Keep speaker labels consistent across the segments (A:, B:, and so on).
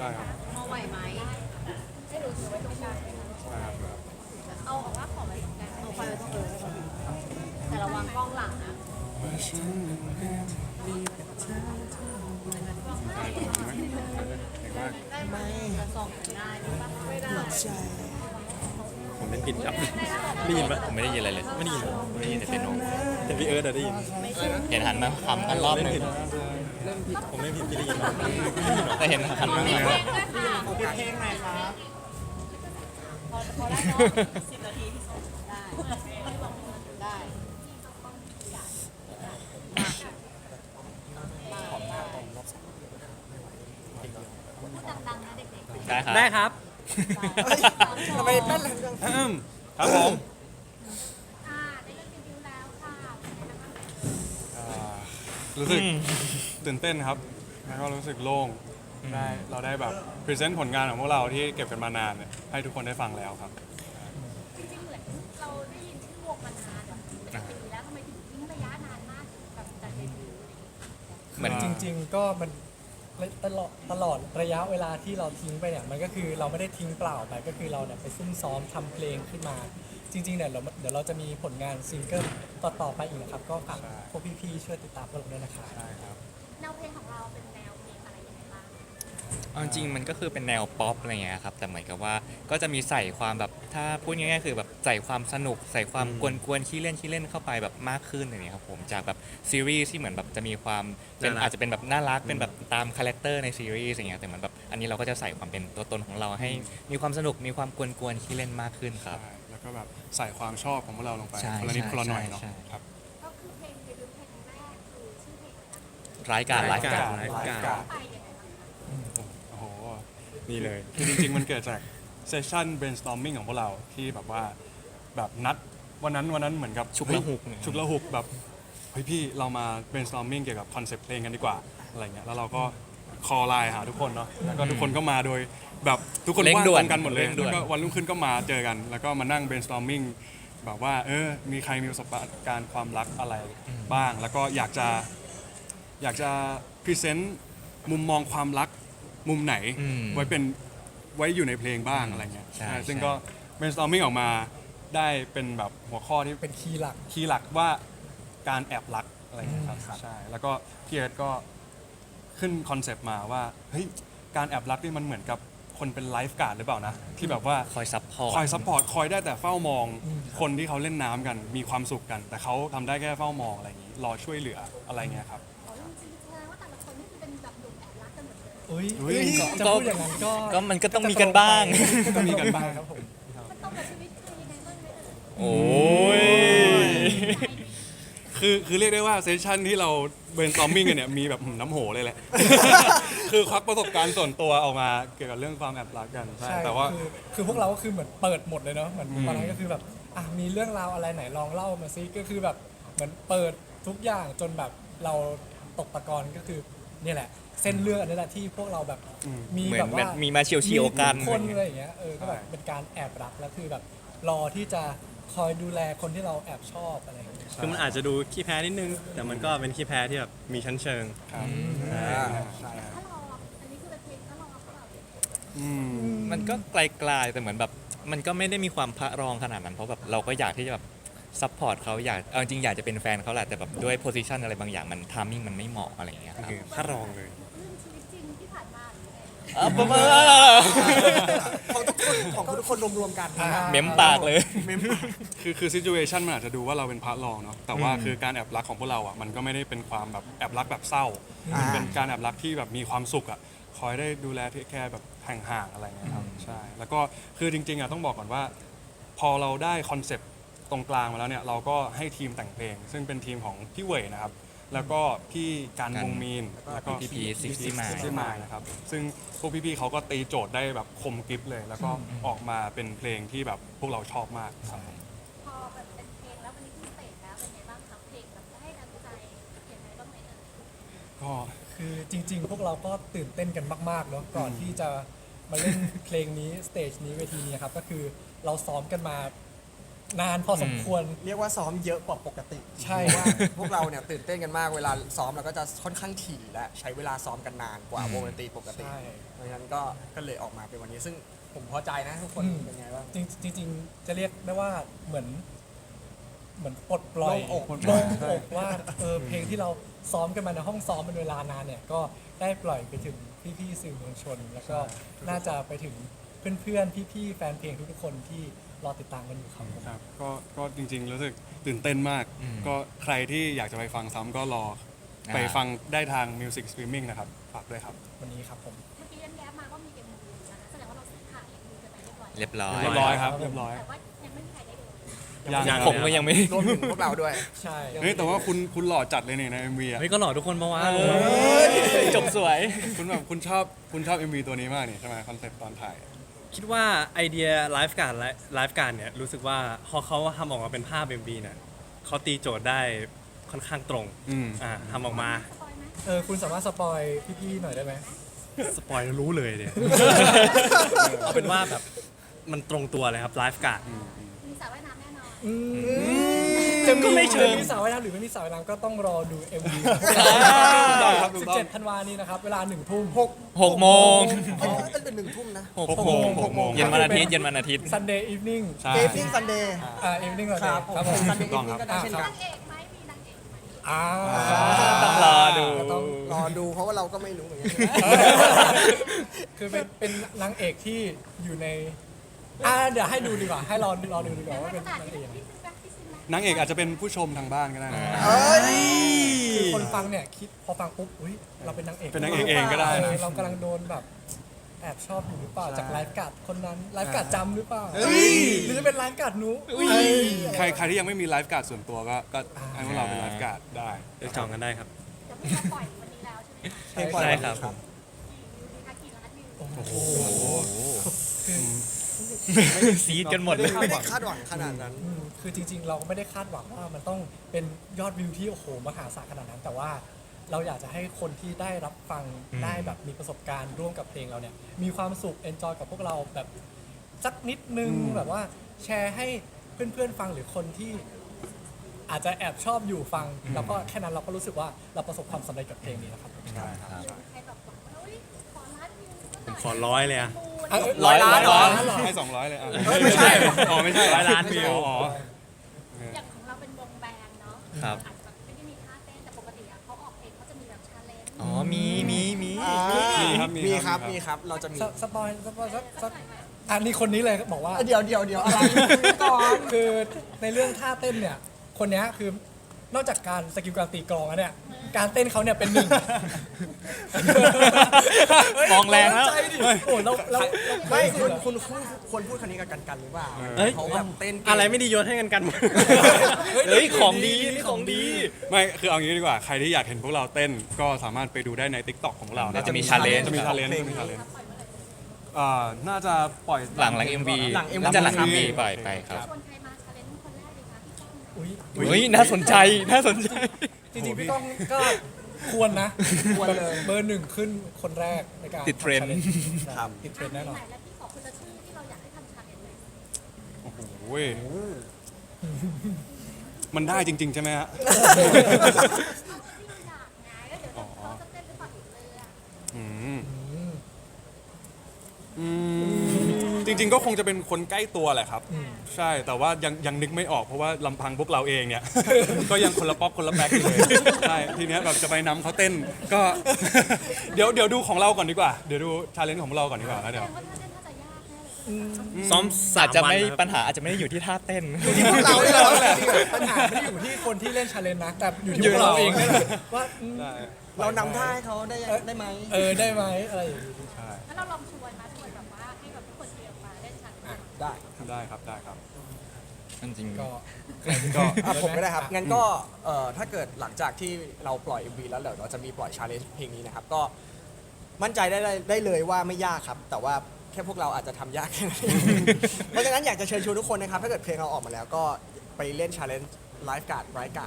A: ได้ครับ
B: มองไหวไหมไม่รู้ถือไว้ตรงกลาง
A: ใช่ครับ
B: เอาออกว่าของไว้ตรงกลางเอาไฟไว้ตรงกลางแต่ระวังกล้องหลังนะได้ไหมจะส่องได้หรือเปล่าไม่ได้
A: ผมเล่นผิดครับได้ยินปะ
C: ผมไม่ได้ยินอะไรเลย
A: ไม่ได้ยิน
C: ไม่ได้ยินแต่เปียโน
A: แต่พี่เอิร์ธได้ยิน
C: เห็นหันมาคำกันรอบหนึง
A: ผมเล่นผิดพี่ได้ยินไหม
C: แต่เห็นหันมา
B: มีเพลงด้วยค่ะ
D: ขอเพลงหน่อยครับ
B: พอแล้วเนาะ10 นาทีที่ส่งได้ได้ดังๆนะเด็กๆ
C: ได้ครับ
D: ได้ครับทำไมแป้นแรงจัง
A: ครับผม
B: ได้เล่นรีวิวแล้วค่ะ
A: รู้สึกตื่นเต้นครับแล้วก็รู้สึกโล่งเราได้แบบพรีเซนต์ผลงานของพวกเราที่เก็บกันมานานเนี่ยให้ทุกคนได้ฟังแล้วครับ
B: จริงๆเหมือนเราได้ยินชื่อวงมานานแบบเป็นปีแล้วทำไมถึงทิ้งระยะนานมากกับการเดบิวต์
C: เหมือน
D: จริงๆก็มันตลอดระยะเวลาที่เราทิ้งไปเนี่ยมันก็คือเราไม่ได้ทิ้งเปล่าไปก็คือเราเนี่ยไปซุ่มซ้อมทำเพลงขึ้นมา จริงๆเนี่ยเดี๋ยวเราจะมีผลงานซิงเกิลต่อๆไปอีกนะครับก็ฝากพวกพี่ๆช่วยติดตามพวกเราด้วยนะครับ
A: ใช่ครับ
B: แนวเพลงของเราเป็นแนวเพลงอะไรยังไงบ้าง
C: เอาจริงๆมันก็คือเป็นแนวป๊อปอะไรเงี้ยครับแต่เหมือนกับว่าก็จะมีใส่ความแบบถ้าพูดง่ายๆคือแบบใส่ความสนุกใส่ความกวนๆขี้เล่นเข้าไปแบบมากขึ้นอย่างเงี้ยครับผมจากแบบซีรีส์ที่เหมือนแบบจะมีความเป็นอาจจะเป็นแบบน่ารักเป็นแบบตามคาแรคเตอร์ในซีรีส์อย่างเงี้ยแต่เหมือนแบบอันนี้เราก็จะใส่ความเป็นตัวตนของเราให้มีความสนุกมีความกวนๆขี้เล่นมากขึ้นครับ
A: ใช่แล้วก็แบบใส่ความชอบของพวกเราลงไป
C: ใช่
A: คนละนิด
C: ใช่
A: คนละหน่อยเนาะ
C: ใช่
A: ครับ
B: ก็คือเพลงเดบิวต์เพลงแรกคือชื่อเพลงอะไรนะ
C: ร้ายการ
A: ร้ายกาจ
C: ร้าย
A: ร้าย
C: การ
A: กาจ
B: ไปยังไงบ้างคะ
A: โอ้โห นี่เลย คือจริงๆ มันเกิดจากเซสชั่น brainstorming ของพวกเราที่แบบว่าแบบนัดวันนั้นเหมือนกับ
C: ฉุกละหุก
A: เฮ้ยฉุกละหุกแบบเฮ้ยพี่เรามา brainstorming เกี่ยวกับคอนเซปต์เพลงกันดีกว่าอะไรเงี้ยแล้วเราก็คอไลน์หาทุกคนเนาะแล้วก็ทุกคนก็มาโดยแบบทุกคน
C: เร่ง
A: ว่าง
C: ด่
A: ต
C: วน
A: รงกันหมดเลย
C: เร่งด่วน
A: แล้วก็วันรุ่งขึ้นก็มาเจอกัน แล้วก็มานั่ง brainstorming แบบว่ามีใครมีประสบการณ์ความรักอะไรบ้าง แล้วก็อยากจะพรีเซนต์มุมมองความรักมุมไหน ไว้อยู่ในเพลงบ้างอะไรเงี้ย
C: ใช่
A: ซึ่ง
C: ใช่
A: ก็ brainstorming ออกมาได้เป็นแบบหัวข้อที่
D: เป็นคีย์หลัก
A: คีย์หลักว่าการแอบรักอะไรเงี้ยครับใช่แล้วก็พี่เอิร์ธก็ขึ้นคอนเซปต์มาว่าเฮ้ยการแอบรักนี่มันเหมือนกับคนเป็นไลฟ์การ์ดหรือเปล่านะที่แบบว่า
C: คอยซัพพอร์ต
A: คอยซัพพอร์ตคอยได้แต่เฝ้ามองคนที่เขาเล่นน้ำกันมีความสุขกัน แต่เขาทำได้แค่เฝ้ามองอะไรอย่างนี้รอช่วยเหลืออะไรเงี้ยครับ
B: อ๋อจริงๆแสดงว่าแต่ละคนนี่คือเป็นแบบหนุ่มแอบรักกันหมดเลย
D: อุ้ย
A: อุ้ย
D: จะพูดอย่างนั้นก็
C: ก็มันก็ต้องมีกันบ้าง
A: ก็มีกันบ้าง
D: ครับผม
B: มันตรงกับชีวิตใครยังไงบ้างไหมเอ่ย
C: โอ้ย
A: คือเรียกได้ว่าเซสชั่นที่เรา brainstorming กันเนี่ยมีแบบน้ำโหเลยแหละ คือควักประสบการณ์ส่วนตัวออกมาเกี่ยวกับเรื่องความแอบรักกันใช่
D: ใช่
A: แต่ว่า
D: คือพวกเราก็คือเหมือนเปิดหมดเลยเนาะเหมือนตอนนั้นก็คือแบบมีเรื่องราวอะไรไหนลองเล่ามาซิก็คือแบบเหมือนเปิดทุกอย่างจนแบบเราตกตะกอนก็คือเนี่ยแหละ เส้นเรื่องอันนี้แหละที่พวกเราแบบมี
C: เหมือ
D: แบ
C: น
D: บว่า
C: มีมาเฉียวๆกัน
D: มีทุคนอะไรอย่างเงี้ยก็แบบเป็นการแอบรักแล้วคือแบบรอที่จะคอยดูแลคนที่เราแอบชอบอะไรอย่างเงี้ย
E: คือมันอาจจะดูขี้แพ้นิดนึง แต่มันก็เป็นขี้แพ้ที่แบบมีชั้นเชิง
A: ครับ
B: ถ้ารออันนี้คือเป็นเพลงถ้ารอเปล่า
A: อืม
C: มันก็ไกลๆแต่เหมือนแบบมันก็ไม่ได้มีความพระรองขนาดนั้นเพราะแบบเราก็อยากที่จะแบบซัพพอร์ตเขาอยากเอาจริงอยากจะเป็นแฟนเขาแหละแต่แบบด้วยโพสิชันอะไรบางอย่างมันทามมิ่งมันไม่เหมาะอะไรอย่างเงี้ยครับ
E: คือถ้ารองเลย
B: เรื่องชีวิตจริงที่ผ่านมาหรือไง
C: ประมาณ
D: ของทุกคนรวมๆกัน
C: เม้มปากเลย
A: คือ situation มันอาจจะดูว่าเราเป็นพระรองเนาะแต่ว่าคือการแอบรักของพวกเราอ่ะมันก็ไม่ได้เป็นความแบบแอบรักแบบเศร้ามันเป็นการแอบรักที่แบบมีความสุขอ่ะคอยได้ดูแลเทคแคร์แบบห่างๆอะไรเงี้ยครับใช่แล้วก็คือจริงๆอ่ะต้องบอกก่อนว่า พอเราได้คอนเซปต์ตรงกลางมาแล้วเนี่ยเราก็ให้ทีมแต่งเพลง ซึ่งเป็นทีมของพี่เว่ยนะครับแล้วก็พี่การวงมีนแล้วก็
C: พี่พีซิกซี่มาย
A: ซิกซี่มายนะครับซึ่งพวกพี่ๆเขาก็ตีโจทย์ได้แบบคมกริบเลย แล้วก็ออกมาเป็นเพลงที่แบบพวกเราชอบมากครับ
B: พอแบบเป็นเพลงแล้ววันนี้ขึ้นสเตจแล้วเป็นไงบ้างครับเพลงแบบให้กำลังใจยังไงบ้างไหมเอ่ย
A: ก็
D: คือจริงๆ พวกเราก็ตื่นเต้นกันมากๆเนาะก่อนที่จะมาเล่นเพลงนี้สเตจนี้เวทีนี้ครับก็คือเราซ้อมกันมานานพอสมควร
F: เรียกว่าซ้อมเยอะกว่าปกติ
D: ใช่
F: เพราะว่าพวกเราเนี่ยตื่นเต้นกันมากเวลาซ้อมเราก็จะค่อนข้างถี่และใช้เวลาซ้อมกันนานกว่าวงดนตรีปกติ
D: ใช่
F: เพราะฉะนั้นก็เลยออกมาเป็นวันนี้ ซึ่งผมพอใจนะทุกคน
D: อืม
F: เป็นไงบ้าง
D: จริงๆจะเรียกได้ว่าเหมือนปลดปล่อย
F: โล่งอก
D: โล่งอกว่าเพลงที่เราซ้อมกันมาในห้องซ้อมเป็นเวลานานเนี่ยก็ได้ปล่อยไปถึงพี่ๆสื่อมวลชน แล้วก็น่าจะไปถึงเพื่อนๆพี่ๆแฟนเพลงทุกๆคนที่รอติดตามกันอยู่ครับผม
A: ครับก็จริงๆรู้สึกตื่นเต้นมาก ก็ใครที่อยากจะไปฟังซ้ำก็รอไปฟังได้ทาง Music Streaming นะครับฝากด้วยครับ
D: วันนี้ครับผม
B: เมื่อกี้แย้มมาว่ามีเอ็มวีนะคะแสดงว่าเราถ่ายเอ็มวีกันไปเรียบร้อย
C: เรียบร้อย
A: เรียบร้อยครับเรียบร้อย
B: แต่ว่ายังไม่มีใครได้ดู
A: ยัง
C: ผมก็ยังไม่
F: รวมถึงพวกเราด้วย
D: ใช่
A: เฮ้ยแต่ว่าคุณหล่อจัดเลยเนี่ยใน MV อ่ะ
E: เฮ้ยก็หล่อทุกคนปะวะ
C: จบสวย
A: คุณชอบ MV ตัวนี้มากนี่ใช่ไหมคอนเซ็ปต์ตอนถ่าย
E: คิดว่าไอเดียไลฟ์การเนี่ยรู้สึกว่าพอเขาทำออกมาเป็นภาพ MV เนี่ยเขาตีโจทย์ได้ค่อนข้างตรง
A: อืม
E: ทำออกมา
B: สปอยไหม
D: คุณสามารถสปอยพี่ๆหน่อยได้ไหม
E: สปอยล์รู้เลยเนี่ย เอาเป็นว่าแบบมันตรงตัวเลยครับไลฟ์การ์ด
B: มีสระว่ายน้ำแน่นอน
D: จะมี
E: ไม่เชิง
D: มีสาวว่ายน้ำหรือไม่มีสาวว่ายน้ำก็ต้องรอดู MV
A: ครับถูกต้อง
D: 17 ธันวานี้นะครับ เวลา 1 ทุ่ม
C: 6 โมง
F: เป็น1 ทุ่มนะ
C: 6 โมง
F: 6 โมง
C: เย็นวันอาทิตย์เย็นวันอาทิตย์
D: Sunday evening
A: ใช่
F: เกมมิ่งซันเดย์
D: evening ก่อน
F: ครับ
D: ครับผม
F: ซันเดย์
A: ถู
F: อี
A: กต้อง
F: ก็ได้เช่นกัน
B: นางเอกไหมมีนางเอกไหม
C: ต้องรอดู
D: ก็ต้อง
F: รอดูเพราะว่าเราก็ไม่รู้เหมือนกัน
D: คือเป็นนางเอกที่อยู่ในเดี๋ยวให้ดูดีกว่า ให้รอดูดีกว่าว่าเป็น
B: ขนาด
D: นางเอก
B: ที่ซื้อแบ็คที่ซื้อแบ็ค
A: นางเอกอาจจะเป็นผู้ชมทางบ้านก็ได้นะ
F: เอ้ย
D: คือคนฟังเนี่ยคิดพอฟังปุ๊บอุ้ยเราเป็นนางเอก
A: เป็นนางเอกเองก็ได้นะ
D: เรากำลังโดนแบบแอบชอบอยู่หรือเปล่าจากไลฟ์การ์ดคนนั้นไลฟ์การ์ดจำหรือเปล่าหรือจะเป็นไลฟ์การ์ดนู้
A: ใครที่ยังไม่มีไลฟ์การ์ดส่วนตัวก็ให้พวกเราเป็นไลฟ์การ์ดได้
E: เดี๋ยวจองกันได้ครับ
B: แต่เพิ่งมาปล่อยวันนี้แล้วใช่ไหมคะ
F: เพลงปล่อย
C: ใช่
F: วัน
C: ครั
F: นี้
C: บ
F: ครับ
B: กี่ล้านวิว
D: โอ้โห
C: ซีดกันหมดเลย
F: ไม่ได้คาดหวังขนาดนั้น
D: คือจริงๆ เราก็ไม่ได้คาดหวังว่ามันต้องเป็นยอดวิวที่โอ้โหมหาศาลขนาดนั้น แต่ว่าเราอยากจะให้คนที่ได้รับฟังได้แบบมีประสบการณ์ร่วมกับเพลงเราเนี่ยมีความสุขเอนจอยกับพวกเราแบบสักนิดนึงแบบว่าแชร์ให้เพื่อนๆฟังหรือคนที่อาจจะแอบชอบอยู่ฟัง แล้วก็แค่นั้นเราก็รู้สึกว่าเราประสบความสำเร็จกับเพลงนี้แล้วครับ
A: ใช่ครับ
B: ใครแบบบอกว่าเฮ้ยขอล้านวิว
E: ผมขอร้อยเลยอะ
D: ร้อยล้าน
C: ร้อย
D: เหรอ
A: ให้200เลยอ่ะ
F: ไม่ใช่
A: อ๋อไม่ใช่
E: 100 ล้านวิว
A: อ๋อ
B: อย่างของเราเป็นวงแบนด์เนาะ
C: ครับ
B: อาจจะแบบไม่ได้มีท่าเต้นแต่ปกติอะเขาออกเพลงเขาจะมีแบบชาเลนจ์
C: อ๋อ มี
F: มีครับ เราจะมี
D: สปอยสักอันนี้คนนี้เลยบอกว่า
F: เดี๋ยวอะไรก่อน
D: คือในเรื่องท่าเต้นเนี่ย คนเนี้ยคือนอกจากการสกิลการตีกลองแล้วเนี่ย การเต้นเขาเนี่ยเป็นหนึ่ง
C: มองแรงแล้ว
D: ใจดิโอ้เรา
F: ไม่
D: สุด
F: คุณควรพูดคันนี้กับกันหรือเปล่า
E: เอ้ย
F: เขาแบบเต้นเก่ง
E: อะไรไม่ดีโยนให้กันหมด
C: เฮ้ย ของดีนี่ของดี
A: ไม่คือเอางี้ดีกว่าใครที่อยากเห็นพวกเราเต้นก็สามารถไปดูได้ใน TikTok ของเรา
C: น่าจะมี challenge
A: จะมี challenge จะมี challenge น่าจะปล่อย
C: หลัง MV น่าจะหลัง MV ปล่อยไปครับ
B: ชวนใครมาชาเลนจ์คนแรกดีคะพี่ก้องนะ
D: อุ้ย
C: เฮ้ย น่าสนใจ น่าสนใจ
D: จริงๆพี่ก้องก็ควรนะ
F: ควรเลย
D: เบอร์หนึ่งขึ้นคนแรกในการ
C: ติดเทรนด์
D: ทำ challenge
F: ครับ
D: ติดเทรนด์แน่นอน
B: ไหแล้วพี่ขอคนละชื่อที่เราอยากให้ทำชาเลนจ์เลย
A: โอ้โหมันได้จริง ๆ ใช่ไหมฮะ
B: ที่อยากไงแล้วเดี๋ยวเขาจะเต้นหรือเปล่าอีกเลยอะ
A: อืมจริง ๆ ก็คงจะเป็นคนใกล้ตัวแหละครับ ใช่แต่ว่ายังนึกไม่ออกเพราะว่าลำพังพวกเราเองเนี่ย ก็ยังคนละป๊อกคนละแป๊กอยู่เลยใช่ทีเนี้ยแบบจะไปนำเขาเต้นก็ เดี๋ยวดูของเราก่อนดีกว่า เดี๋ยวดูชาเลนจ์ของเราก่อนดีกว่าแล้ว
B: แส
A: เดี๋
B: ด
A: ยว
B: งว่าถ้าเต้นน่าจะยากแน่เลย
E: ซ้อมสา
C: อาจ
E: ม
C: จะ
E: วัน
C: ไม่
E: นะครับ
C: ปัญหาอาจจะไม่ได้อยู่ที่ท่าเต้น
F: ที่พวกเราเนี่ยแหละ
D: ปัญหาไม่ได้อยู่ที่คนที่เล่นชาเลนจ์นะ แต่อยู่ที่พวกเราเองนี่แหละว่า
A: ได้
F: เรานำท่าให้เขาได้ไหม
D: ได้ไหมอะไรอย่างงี้
A: ใช่
B: แล้วเราลองชวนแบบว่าให้แบบทุกคนเตรียมมาเล่นชาเลนจ์
F: ได้
A: ได้ครับ
C: จริงๆ
D: ก็
F: ผมก็ได้ครับ งั้นก็ถ้าเกิดหลังจากที่เราปล่อย MV แล้วเดี๋ยวเราจะมีปล่อยชาเลนจ์เพลงนี้นะครับ ก็มั่นใจได้เลยว่าไม่ยากครับ แต่ว่าแค่พวกเราอาจจะทำยากแค่นั้นเองเพราะฉะนั้นอยากจะเชิญชวนทุกคนนะครับ ถ้าเกิดเพลงเราออกมาแล้วก็ไปเล่นชาเลนจ์ไลฟ์การ์ดไรการ์ด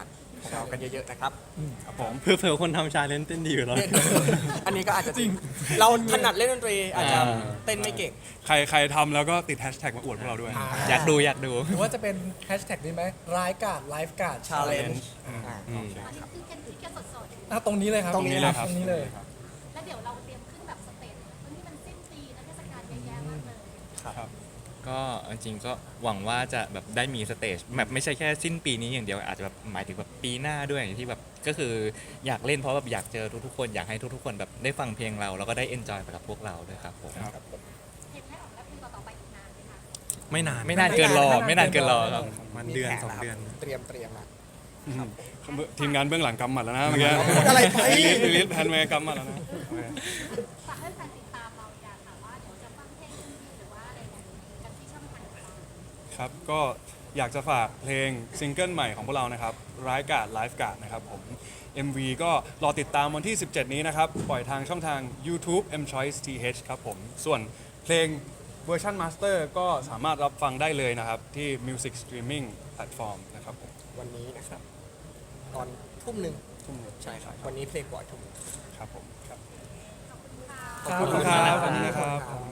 F: ของเรากันเยอะๆนะครับ
A: ครับผม
E: เพื่อคนทำชาเลนจ์เต้นดีอยู่แล้ว
F: อันนี้ก็อาจจะจริง เราถนัดเล่นดนตรีอาจจะ
C: อ่า
F: เต้นไม่เก่ง
A: ใครทำแล้วก็ติดแฮชแท็กมาอวดพวกเราด้วย
C: อยากดู
D: หรือว่าจะเป็นแฮชแท็กนี้ไหมร้ายกาดไลฟ์การ์ด
F: challenge
B: อันนี้คือแค่สดๆ
D: ตรงนี้เลยครับ
F: ตรงนี้
D: ตรงนี้เลย
B: แล้วเดี๋ยวเราเตรียมขึ้นแบบสเตจเพราะนี่มันสิ้นปีนะเทศกาลเยอะแยะมากเลย
A: ครับ
C: ก็จริงๆก็หวังว่าจะแบบได้มีสเตจแบบไม่ใช่แค่สิ้นปีนี้อย่างเดียวอาจจะแบบหมายถึงแบบปีหน้าด้วยที่แบบก็คืออยากเล่นเพราะแบบอยากเจอทุกๆคนอยากให้ทุกๆคนแบบได้ฟังเพลงเราแล้วก็ได้เอนจอยไปกับพวกเราด้วยครับผม
B: เห็นให้ออกแล้วเพลงต่อๆไปอีกนานไหมคะ
E: ไม่นาน
C: ไม่นานเกินรอไม่นานเกินรอครับ
E: มันเดือน
F: มีแผ
E: สอง
F: แล้วครับ
E: เดือน
F: เตรียมนะ
A: ทีมงานเบื้องหลังกำหมัดแล้วนะเมื่อกี้
F: พูดอะไรไป
A: ลิสแพนเวย์กำหมัดแล้วนะโอเค
B: ฝากให้แฟนติดตามเราอยากถามว่าเดี๋ยวจะฟังเพลงหรือว่าอะไรกันที่ช่องทางของเรา
A: ครับก็อยากจะฝากเพลงซิงเกิลใหม่ของพวกเรานะครับร้ายกาดไลฟ์การ์ดนะครับผม MV ก็รอติดตามวันที่ 17 นี้นะครับ ปล่อยทางช่องทาง YouTube M Choice TH ครับผม ส่วนเพลงเวอร์ชันมาสเตอร์ก็สามารถรับฟังได้เลยนะครับ ที่ Music Streaming Platform นะครับผม
F: วันนี้นะครับ ตอนทุ่มหนึ่ง
A: ทุ่มหนึ่ง
F: ใช่ครับ วันนี้เพลงปล่อยทุ่มหนึ่ง
A: ครับผมครับ
F: ขอบคุณครับ
A: ขอบคุณครับ